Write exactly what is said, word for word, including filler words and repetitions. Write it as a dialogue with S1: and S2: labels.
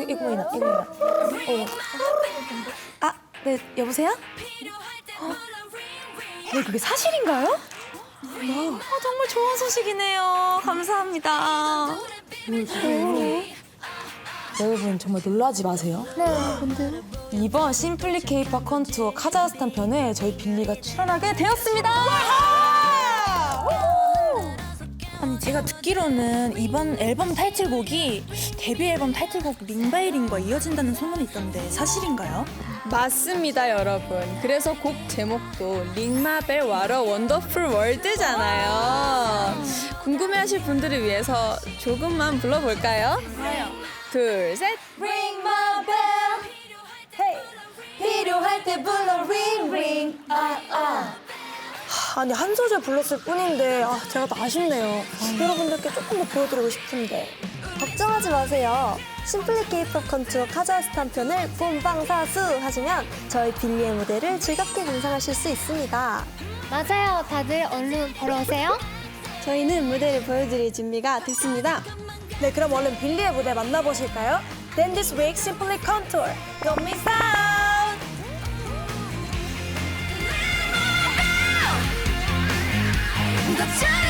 S1: 이거 보이나? 이거 보이나? 어. 아, 네, 여보세요? 어, 어, 그게 사실인가요? 와, 아, 정말 좋은 소식이네요. 감사합니다. 네. 여러분 정말 놀라지 마세요.
S2: 네, 근데
S1: 이번 심플리 케이팝 컨투어 카자흐스탄 편에 저희 빌리가 출연하게 되었습니다. 아니 제가 듣기로는 이번 앨범 타이틀곡이 데뷔 앨범 타이틀곡 링바이링과 이어진다는 소문이 있던데 사실인가요?
S3: 맞습니다, 여러분. 그래서 곡 제목도 링마벨 와러 원더풀 월드잖아요. 궁금해하실 분들을 위해서 조금만 불러볼까요? 둘, 셋.
S2: Ring my bell. Hey. 필요할 때 불러 ring ring. 아 아.
S4: 아니 한 소절 불렀을 뿐인데 아, 제가 더 아쉽네요. 여러분들께 조금 더 보여드리고 싶은데.
S2: 걱정하지 마세요. 심플리 케이팝 컨투어 카자흐스탄 편을 본방사수 하시면 저희 빌리의 무대를 즐겁게 감상하실 수 있습니다.
S5: 맞아요. 다들 얼른 보러 오세요.
S2: 저희는 무대를 보여드릴 준비가 됐습니다.
S4: 네, 그럼 얼른 빌리의 무대 만나보실까요? Then this week Simply Contour. Don't miss out!
S6: 더